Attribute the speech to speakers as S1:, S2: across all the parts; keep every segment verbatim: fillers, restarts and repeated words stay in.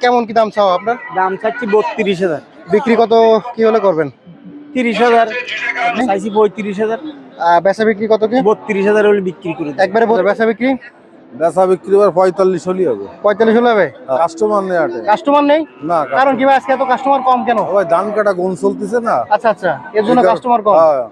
S1: কেমন কি দাম চাও আপনার?
S2: দাম চাচ্ছি বত্রিশ হাজার।
S1: বিক্রি কত কি হলে করবেন?
S2: তিরিশ হাজার চাইছি, পঁয়ত্রিশ হাজার।
S1: আহ, বেচা বিক্রি কত কি?
S2: বত্রিশ হাজার হলে বিক্রি করে দেব।
S1: একবারে বল- বেচা বিক্রি
S3: বেচা বিক্রি এবার পঁয়তাল্লিশ হলেই হবে।
S1: পঁয়তাল্লিশ হলে হবে?
S3: কাস্টমার নেই আটে
S1: কাস্টমার নেই?
S3: না।
S1: কারণ কি ভাই আজকে এত কাস্টমার কম কেন?
S3: ভাই ধান কাটা গুণ চলতেছে না।
S1: আচ্ছা আচ্ছা, এর জন্য কাস্টমার কম।
S3: হ্যাঁ।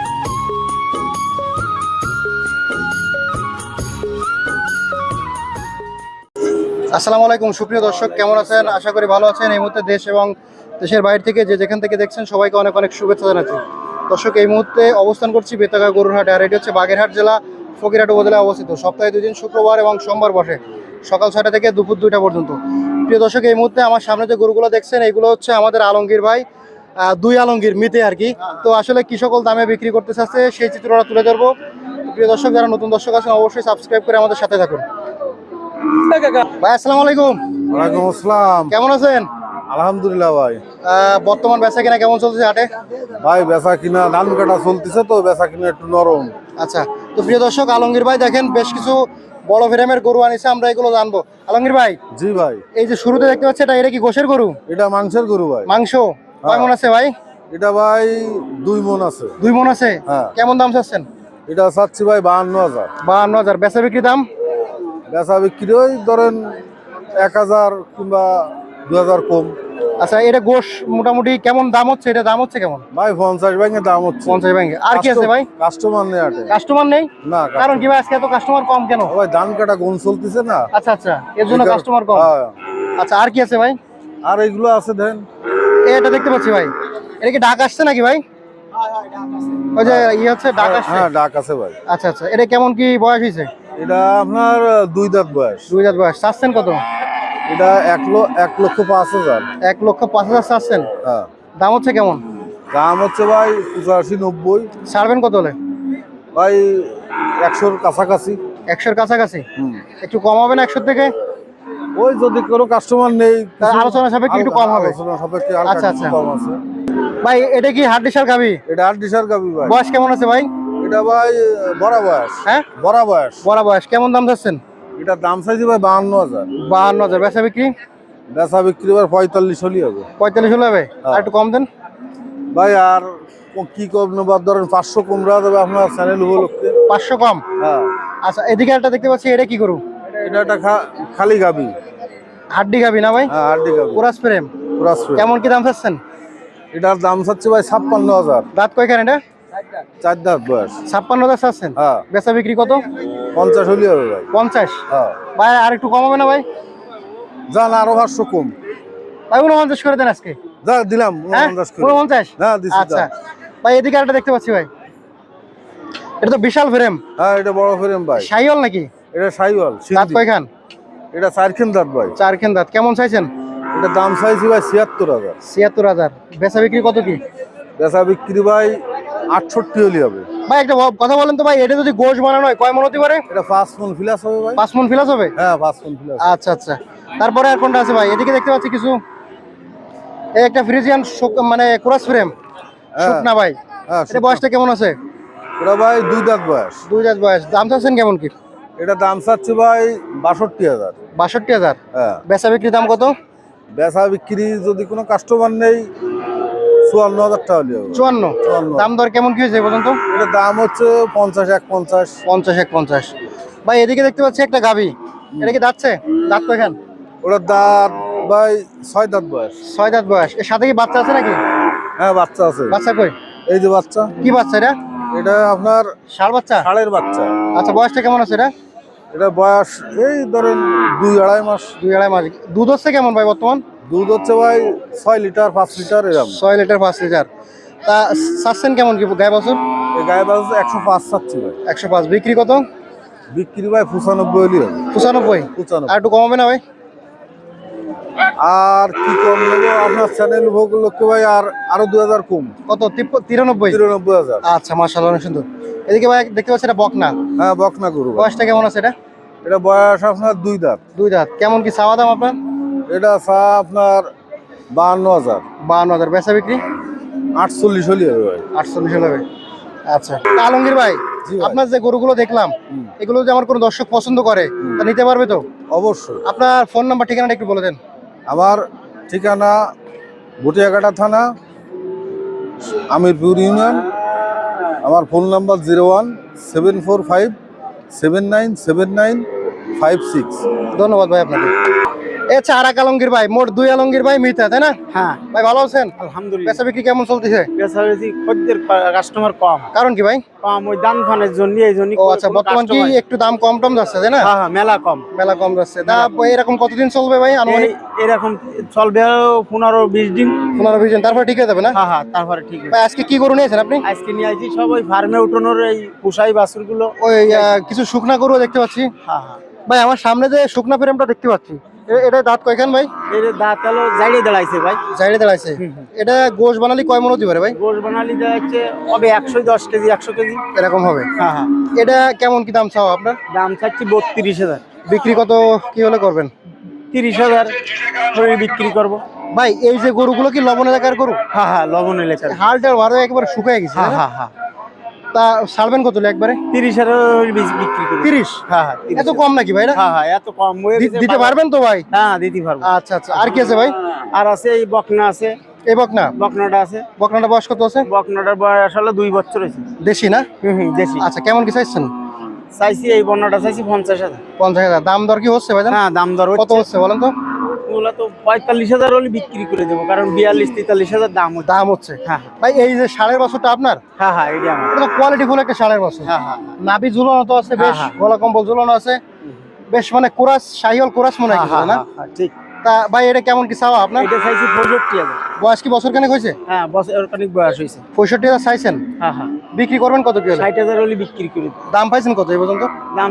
S1: আসসালামু আলাইকুম সুপ্রিয় দর্শক, কেমন আছেন? আশা করি ভালো আছেন। এই মুহূর্তে দেশ এবং দেশের বাইরে থেকে যে যেখান থেকে দেখছেন সবাইকে অনেক অনেক শুভেচ্ছা জানাচ্ছি। দর্শক, এই মুহূর্তে অবস্থান করছি বেতাগা গরুর হাটে, আর এটি হচ্ছে বাগেরহাট জেলা ফকিরহাট উপজেলায় অবস্থিত। সপ্তাহে দুই দিন শুক্রবার এবং সোমবার বসে সকাল ছয়টা থেকে দুপুর দুইটা পর্যন্ত। প্রিয় দর্শক, এই মুহূর্তে আমার সামনে যে গরুগুলো দেখছেন এগুলো হচ্ছে আমাদের আলমগীর ভাই, আহ, দুই আলমগীর মিতে আর কি। তো আসলে কি সকল দামে বিক্রি করতে চাচ্ছে সেই চিত্রটা তুলে ধরবো। প্রিয় দর্শক, যারা নতুন দর্শক আছেন অবশ্যই সাবস্ক্রাইব করে আমাদের সাথে থাকুন। ভাই আসসালামু আলাইকুম।
S3: ওয়ালাইকুম আসসালাম।
S1: কেমন আছেন?
S3: আলহামদুলিল্লাহ ভাই।
S1: আহ, বর্তমান বেচা কিনা কেমন চলছে হাটে?
S3: ভাই বেচা কিনা ধান কাটা চলতেছে তো বেচা কিনা একটু নরম।
S1: আচ্ছা, তো প্রিয় দর্শক, আলমগীর ভাই দেখেন বেশ কিছু বড় ফ্রেমের গরু আনিছে, আমরা এগুলো জানবো। আলমগীর ভাই,
S3: জি ভাই।
S1: এই যে শুরুতে দেখতে পাচ্ছি এটা এটা কি গোশের গরু?
S3: এটা মাংসের গরু ভাই।
S1: মাংস কয় মন আছে ভাই?
S3: এটা ভাই দুই মন আছে।
S1: দুই মন আছে?
S3: হ্যাঁ।
S1: কেমন দাম চাচ্ছেন?
S3: এটা চাচ্ছি ভাই বাহান্ন হাজার।
S1: বাহান্ন হাজার বেচা বিক্রি দাম?
S3: বেচা বিক্রি ওই ধরেন এক হাজার কিংবা দু হাজার কম।
S1: আচ্ছা, এটা গোশ মোটামুটি কেমন দাম হচ্ছে? এটা দাম হচ্ছে কেমন?
S3: ভাই পঞ্চাশ ব্যাংকে দাম হচ্ছে।
S1: পঞ্চাশ ব্যাংকে। আর কি আছে ভাই?
S3: কাস্টমার নেই আটে
S1: কাস্টমার নেই?
S3: না।
S1: কারণ কি ভাই আজকে এত কাস্টমার কম কেন?
S3: ভাই ধান কাটা গুণ চলতেছে না।
S1: আচ্ছা আচ্ছা, এর জন্য কাস্টমার কম।
S3: হ্যাঁ।
S1: আচ্ছা, আর কি আছে ভাই?
S3: আর এগুলো আছে দেন।
S1: এটা দেখতে পাচ্ছি ভাই, এটা কি ডাক আসছে নাকি ভাই? ওই যে ইয়ে হচ্ছে ডাক আসছে।
S3: হ্যাঁ ডাক আছে ভাই।
S1: আচ্ছা আচ্ছা, এটা কেমন কি বয়স হয়েছে?
S3: এটা আপনার দুই দাঁত বয়স।
S1: দুই হাজার বয়স। চাচ্ছেন কত?
S3: এটা এক লো- এক লক্ষ পাঁচ হাজার।
S1: এক লক্ষ পাঁচ হাজার চাচ্ছেন?
S3: হ্যাঁ।
S1: দাম হচ্ছে কেমন?
S3: দাম হচ্ছে ভাই পঁচাশি নব্বই।
S1: ছাড়বেন কত হলে?
S3: ভাই একশোর কাছাকাছি।
S1: একশোর কাছাকাছি?
S3: হুম।
S1: একটু কম হবে না একশোর থেকে?
S3: ওই যদি কোনো কাস্টমার নেই
S1: তাহলে আলোচনা সাপেক্ষে একটু কম হবে।
S3: আলোচনা সাপেক্ষে হালকা
S1: আচ্ছা,
S3: কিছু
S1: আচ্ছা।
S3: কম আছে।
S1: ভাই এটা কি হাড্ডিসার গাবি?
S3: এটা আট ডিসার গাবি ভাই।
S1: বয়স কেমন আছে ভাই?
S3: এটা ভাই বড় বয়স।
S1: হ্যাঁ,
S3: বড় বয়স।
S1: বড় বয়স। কেমন দাম চাচ্ছেন?
S3: এটার দাম চাইছি ভাই বাহান্ন হাজার।
S1: বাহান্ন হাজার বেচা বিক্রি?
S3: বেচা বিক্রি ভাই পঁয়তাল্লিশ হলেই হবে।
S1: পঁয়তাল্লিশ হলে হবে? আর একটু কম দেন
S3: ভাই আর ক- কি কম নেবার ধরেন পাঁচশো কমরা দেবে আপনার চ্যানেল উপলক্ষে।
S1: পাঁচশো কম?
S3: হ্যাঁ।
S1: আচ্ছা, এদিকে একটা দেখতে পাচ্ছি, এটা কি করু?
S3: এটা একটা খা- খালি গাবি।
S1: হাড্ডি গাবি না ভাই?
S3: হ্যাঁ আড্ডি গাবি।
S1: Chorus frame.
S3: পুরা straight।
S1: কেমন কি দাম চাচ্ছেন?
S3: এটার দাম চাচ্ছে ভাই ছাপ্পান্ন হাজার।
S1: দাঁত কয়খান এটা?
S3: চার দাঁত বয়স।
S1: ছাপ্পান্ন হাজার চাচ্ছেন?
S3: হ্যাঁ।
S1: বেচা বিক্রি কত?
S3: পঞ্চাশ হলেই হবে ভাই।
S1: পঞ্চাশ?
S3: হ্যাঁ।
S1: ভাই আর একটু কম হবে না ভাই?
S3: যান আরো পাঁচশো কম।
S1: ভাই উনপঞ্চাশ করে দেন আজকে।
S3: যা দিলাম
S1: হ্যাঁ,
S3: উনপঞ্চাশ করে।
S1: উনপঞ্চাশ?
S3: হ্যাঁ দিচ্ছি।
S1: আচ্ছা
S3: যান।
S1: ভাই, এদিকে একটা দেখতে পাচ্ছি ভাই, এটা তো বিশাল ফ্রেম।
S3: হ্যাঁ এটা বড় ফ্রেম ভাই।
S1: শাইওয়াল নাকি?
S3: এটা সাইওয়াল
S1: দাঁত
S3: সিন্ধি।
S1: কয়খান?
S3: এটা চারখান দাঁত ভাই।
S1: চারখান দাঁত। কেমন চাইছেন?
S3: এটা দাম চাইছি ভাই ছিয়াত্তর হাজার।
S1: ছিয়াত্তর হাজার। বেচা বিক্রি কত কি?
S3: বেচা বিক্রি ভাই আটষট্টি হলেই হবে।
S1: ভাই একটা ব- কথা বলেন তো ভাই, এটা যদি গোশ বানানো হয় কয় মন হতে পারে?
S3: এটা পাঁচ মন ফিলাস হবে ভাই।
S1: পাঁচ মন ফিলাস হবে?
S3: হ্যাঁ পাঁচ মন ফিলাস।
S1: আচ্ছা আচ্ছা। তারপরে আর কোনটা আছে ভাই? এদিকে দেখতে পাচ্ছি কিছু, এই একটা ফ্রিজিয়ান মানে ক্রস ফ্রেম শুক না ভাই?
S3: হ্যাঁ
S1: এটা বয়সটা কেমন আছে?
S3: এটা ভাই দুই দাঁত বয়স।
S1: দুই হাজার বয়স। দাম চাচ্ছেন কেমন কি?
S3: এটা দাম চাচ্ছে ভাই বাষট্টি হাজার।
S1: বাষট্টি হাজার?
S3: হ্যাঁ।
S1: বেচা বিক্রি দাম কত?
S3: বেচা বিক্রি যদি কোনো কাস্টমার নেই চুয়ান্ন হাজার টাকা হলে হবে।
S1: চুয়ান্ন?
S3: চুয়ান্ন।
S1: দাম দর কেমন কি হয়েছে পর্যন্ত?
S3: এটা দাম হচ্ছে পঞ্চাশ এক পঞ্চাশ।
S1: পঞ্চাশ এক পঞ্চাশ। ভাই এদিকে দেখতে পাচ্ছি একটা গাভি, এটা কি দাঁতছে? দাঁত কয়খান?
S3: ওটার দাঁত ভাই ছয় দাঁত বয়স।
S1: ছয় দাঁত বয়স। এর সাথে কি বাচ্চা আছে নাকি?
S3: হ্যাঁ বাচ্চা আছে।
S1: বাচ্চা কই?
S3: এই যে বাচ্চা।
S1: কি বাচ্চা এটা?
S3: এটা আপনার
S1: ষাঁড় বাচ্চা?
S3: ষাঁড়ের বাচ্চা।
S1: আচ্ছা, বয়সটা কেমন আছে এটা?
S3: এটা বয়স এই ধরেন দুই আড়াই মাস।
S1: দুই আড়াই মাস। দুধ হচ্ছে কেমন ভাই বর্তমান?
S3: দুধ হচ্ছে ভাই ছয় লিটার পাঁচ লিটার এরকম।
S1: ছয় লিটার পাঁচ লিটার। তা চাচ্ছেন কেমন কি গায়ে বছর?
S3: এই গায়ে বাজ একশো পাঁচ চাচ্ছি ভাই।
S1: একশো পাঁচ। বিক্রি কত?
S3: বিক্রি ভাই পঁচানব্বই হলি হবে।
S1: পঁচানব্বই? আর
S3: পঁচানব্বই।
S1: একটু কম হবে না ভাই?
S3: আর কি কম নেবো আপনার চ্যানেল ভোগ লোককে ভাই আর আরো দুই হাজার কম।
S1: কত? তিপ্প- তিরানব্বই?
S3: তিরানব্বই হাজার।
S1: আচ্ছা, মাশাআল্লাহ, অনেক সুন্দর। এদিকে ভাই দেখতে পাচ্ছি এটা বকনা।
S3: হ্যাঁ বকনা গরু ভাই।
S1: বয়সটা কেমন আছে এটা?
S3: এটা বয়স আপনার দুই দাঁত।
S1: দুই দাঁত। কেমন কি চাওয়া দাম আপনার?
S3: এটা চা আপনার বাহান্ন হাজার।
S1: বাহান্ন হাজার। বেচা বিক্রি?
S3: আটচল্লিশ হলি হবে ভাই।
S1: আটচল্লিশ হবে। আচ্ছা, তা আলমগীর ভাই,
S3: জি ভাই।
S1: আপনার যে গরুগুলো দেখলাম
S3: হুম।
S1: এগুলো যদি আমার কোনো দর্শক পছন্দ করে তা নিতে পারবে তো?
S3: অবশ্যই।
S1: আপনার ফোন নাম্বার ঠিকানাটা একটু বলে দেন।
S3: আমার ঠিকানা ভুটিয়াঘাটা থানা, আমিরপুর ইউনিয়ন। আমার phone number zero one seven four five seven nine seven nine five six.
S1: ধন্যবাদ ভাই আপনাকে। এ চার এক আলমগীর ভাই, মোট দুই আলমগীর ভাই মিতা, তাই না?
S2: হ্যাঁ
S1: ভাই ভালো আছেন?
S2: আলহামদুলিল্লাহ।
S1: বেচা বিক্রি কেমন চলতেছে?
S2: বেচাবেচি খদ্দের কাস্টমার কম
S1: কারণ কি ভাই?
S2: কম ওই দান ফানের জন্য এই জন্য।
S1: ও আচ্ছা, বর্তমান কি একটু দাম কম টম যাচ্ছে, তাই না?
S2: হ্যাঁ হ্যাঁ মেলা কম।
S1: মেলা কম যাচ্ছে। তা এরকম কতদিন চলবে ভাই আনুমানিক?
S2: এই- এরকম চলবে পনেরো বিশ দিন।
S1: পনেরো বিশ দিন, তারপরে ঠিক হয়ে যাবে না?
S2: হ্যাঁ হ্যাঁ তারপরে ঠিক আছে।
S1: ভাই আজকে কি গরু নিয়েছেন আপনি?
S2: আজকে নিয়ে আসছি সব ওই ফার্মে উঠানোর এই পুষাই বাছুর গুলো।
S1: ওই আহ, কিছু শুকনা গরু দেখতে পাচ্ছি।
S2: হ্যাঁ হ্যাঁ
S1: ভাই আমার সামনে যে শুকনা ফ্রেমটা দেখতে পাচ্ছি, এ- এটা দাঁত কয়খান ভাই?
S2: এর দাঁত হলো জাইড়ে দাঁড়াইছে ভাই।
S1: জাইড়ে দাঁড়াইছে। এটা গোশ বানালি কয় মন হতে পারে ভাই?
S2: গোশ বানালি যাচ্ছে হবে একশো দশ কেজি একশো কেজি।
S1: এরকম হবে।
S2: হ্যাঁ হ্যাঁ
S1: এটা কেমন কি দাম চাও আপনার?
S2: দাম চাচ্ছি বত্রিশ হাজার।
S1: বিক্রি কত কি হলে করবেন?
S2: তিরিশ হাজার করে বিক্রি করবো।
S1: ভাই এই যে গরুগুলো কি লবণ এলাকার গরু?
S2: হ্যাঁ হ্যাঁ লবণ এলাকার।
S1: হালটা ভালো একেবারে শুকিয়ে গেছে,
S2: হ্যাঁ
S1: তাই না?
S2: হ্যাঁ হ্যাঁ
S1: তা ছাড়বেন কত হলে একবারে?
S2: তিরিশ হাজার বিক্রি করি।
S1: তিরিশ?
S2: হ্যাঁ হ্যাঁ
S1: এত কম নাকি ভাই? এটা
S2: হ্যাঁ হ্যাঁ এত কম হয়ে
S1: দি-
S2: গেছে।
S1: দিতে পারবেন তো ভাই?
S2: হ্যাঁ দিতে পারবো।
S1: আচ্ছা আচ্ছা, আর কি আছে ভাই?
S2: আর আছে এই বকনা আছে।
S1: এই বকনা?
S2: বকনাটা আছে।
S1: বকনাটা বয়স কত আছে?
S2: বকনাটার বয়স হলো দুই বছর হয়েছে।
S1: দেশি না?
S2: হুম হুম দেশি।
S1: আচ্ছা, কেমন কি চাইছেন?
S2: চাইছি এই বন্যাটা চাইছি পঞ্চাশ হাজার।
S1: পঞ্চাশ হাজার। দাম দর কি হচ্ছে ভাই?
S2: হ্যাঁ দাম দর
S1: কত হচ্ছে বলেন তো?
S2: ওগুলা তো পঁয়তাল্লিশ হাজার হলে বিক্রি করে দেবো, কারণ বিয়াল্লিশ তেতাল্লিশ হাজার দাম হচ্ছে।
S1: দাম হচ্ছে।
S2: হ্যাঁ
S1: ভাই এই যে ষাঁড়ের বছরটা আপনার,
S2: হ্যাঁ হ্যাঁ এটা আমার।
S1: এটা তো কোয়ালিটি ফুল একটা ষাঁড়ের বছর।
S2: হ্যাঁ হ্যাঁ
S1: নাভি ঝুলানো তো আছে বেশ,
S2: হ্যাঁ, হ্যাঁ।
S1: গলা কম্বল ঝুলানো আছে বেশ, মানে কোরাস, শাহিওয়াল কোরাস মনে হয়
S2: হ্যাঁ,
S1: কিছু,
S2: হ্যাঁ,
S1: না?
S2: হ্যাঁ, ঠিক।
S1: তা ভাই এটা কেমন কি চাওয়া আপনার?
S2: এটা চাইছি পঁয়ষট্টি হাজার।
S1: বয়স কি বছর খানেক হয়েছে?
S2: হ্যাঁ বছর অনেক বয়স হয়েছে।
S1: পঁয়ষট্টি হাজার চাইছেন?
S2: হ্যাঁ হ্যাঁ
S1: বিক্রি করবেন কত কি হলে?
S2: ষাট হাজার হলে বিক্রি করে দেবো।
S1: দাম পাইছেন কত এই পর্যন্ত?
S2: দাম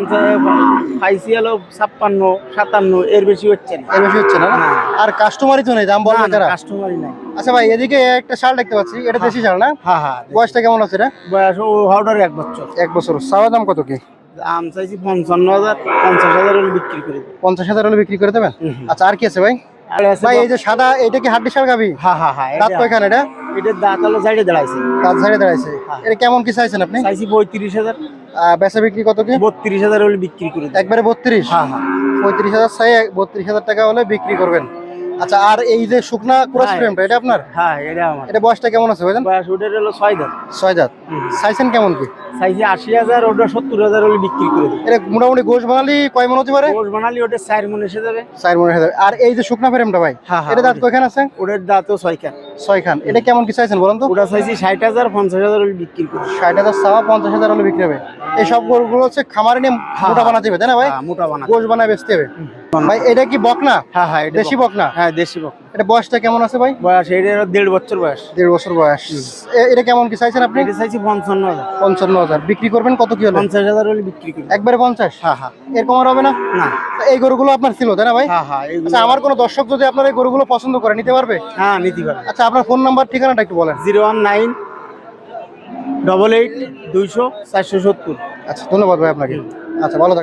S2: পাইছি হলো ছাপ্পান্ন সাতান্ন, এর বেশি হচ্ছে না।
S1: এর বেশি হচ্ছে না?
S2: না।
S1: আর কাস্টমারই তো নেই, দাম বলবে কারা?
S2: কাস্টমারই নাই।
S1: আচ্ছা ভাই, এদিকে একটা শাল দেখতে পাচ্ছি, এটা দেশি শাল না?
S2: হ্যাঁ হ্যাঁ
S1: বয়সটা কেমন আছে এটা?
S2: বয়স ও হাওড়ার এক বছর।
S1: এক বছর। চাওয়া দাম কত কি?
S2: দাম চাইছি পঞ্চান্ন হাজার, পঞ্চাশ হাজার হলে বিক্রি করে দেবো।
S1: পঞ্চাশ হাজার হলে বিক্রি করে দেবেন?
S2: হুম, হুম।
S1: আচ্ছা, আর কি আছে ভাই?
S2: আর আছে
S1: ভাই
S2: বক-
S1: এই যে সাদা, এটা কি হাড্ডি শাল গাবি?
S2: হ্যাঁ হ্যাঁ হ্যাঁ
S1: দাঁত
S2: এটা-
S1: কয়খান এটা?
S2: এটার দাঁত হলো সাইডে দাঁড়াইছে।
S1: দাঁত ঝাড়ে দাঁড়াইছে।
S2: হ্যাঁ।
S1: এটা কেমন কি চাইছেন আপনি?
S2: চাইছি পঁয়ত্রিশ হাজার।
S1: আহ, বেচা বিক্রি কত কি?
S2: বত্রিশ হাজার হলে বিক্রি করে দেবো।
S1: একবারে বত্রিশ?
S2: হ্যাঁ হ্যাঁ
S1: পঁয়ত্রিশ হাজার চাই, বত্রিশ হাজার টাকা হলে বিক্রি করবেন। আচ্ছা, আর এই যে শুকনা ক্রস
S2: হ্যাঁ।
S1: ফ্রেমটা, এটা আপনার?
S2: হ্যাঁ এটা আমার।
S1: এটা বয়সটা কেমন আছে ভাইজান?
S2: বয়স ওটার হলো ছয় দাঁত।
S1: ছয় দাঁত।
S2: হুম।
S1: চাইছেন কেমন কি?
S2: চাইছি আশি হাজার, ওটা সত্তর হাজার হলে বিক্রি করে দেবো।
S1: এটা মোটামুটি গোশ বানালি কয় মন হতে পারে?
S2: গোশ বানালি ওটা চার মন এসে যাবে।
S1: চার মনের হাজার। আর এই যে শুকনা ফ্রেমটা ভাই,
S2: হ্যাঁ, হ্যাঁ,
S1: এটা দাঁত
S2: ওটা-
S1: কয়খান আছে?
S2: ওটার দাঁতও ছয় খান।
S1: ছয় খান। এটা কেমন কি চাইছেন বলেন তো?
S2: ওটা চাইছি ষাট হাজার, পঞ্চাশ হাজার হলে বিক্রি করে দেবো।
S1: ষাট হাজার চাওয়া, পঞ্চাশ হাজার হলে বিক্রি হবে। এই সব গরুগুলো হচ্ছে খামারে নিয়ে
S2: হ্যাঁ,
S1: মোটা বানাতে হবে, তাই না ভাই?
S2: হ্যাঁ, মোটা বানা।
S1: গোশ বানায় বেচতে হবে। ভাই এটা কি বকনা?
S2: হ্যাঁ হ্যাঁ এটা
S1: দেশি
S2: বক-
S1: বকনা?
S2: হ্যাঁ দেশি বক।
S1: এটা বয়সটা কেমন আছে ভাই?
S2: বয়স এটার দেড় বছর বয়স।
S1: দেড় বছর বয়স। এ- এটা কেমন কি চাইছেন আপনি?
S2: এটা চাইছি পঞ্চান্ন হাজার।
S1: পঞ্চান্ন হাজার। বিক্রি করবেন কত কি হলে?
S2: পঞ্চাশ হাজার হলে বিক্রি করে দেবো।
S1: একবারে পঞ্চাশ?
S2: হ্যাঁ হ্যাঁ
S1: এরকম আর হবে না?
S2: না।
S1: তা এই গরুগুলো আপনার ছিল, তাই না ভাই?
S2: হ্যাঁ হ্যাঁ এগুলো-
S1: আচ্ছা, আমার কোনো দর্শক যদি আপনার এই গরুগুলো পছন্দ করে, নিতে পারবে?
S2: হ্যাঁ নিতে পারবে।
S1: আচ্ছা, আপনার ফোন নাম্বার ঠিকানাটা একটু বলেন।
S2: Zero one nine double eight দুইশো চারশো সত্তর।
S1: আচ্ছা, ধন্যবাদ ভাই আপনাকে। আচ্ছা, ভালো থাকবেন।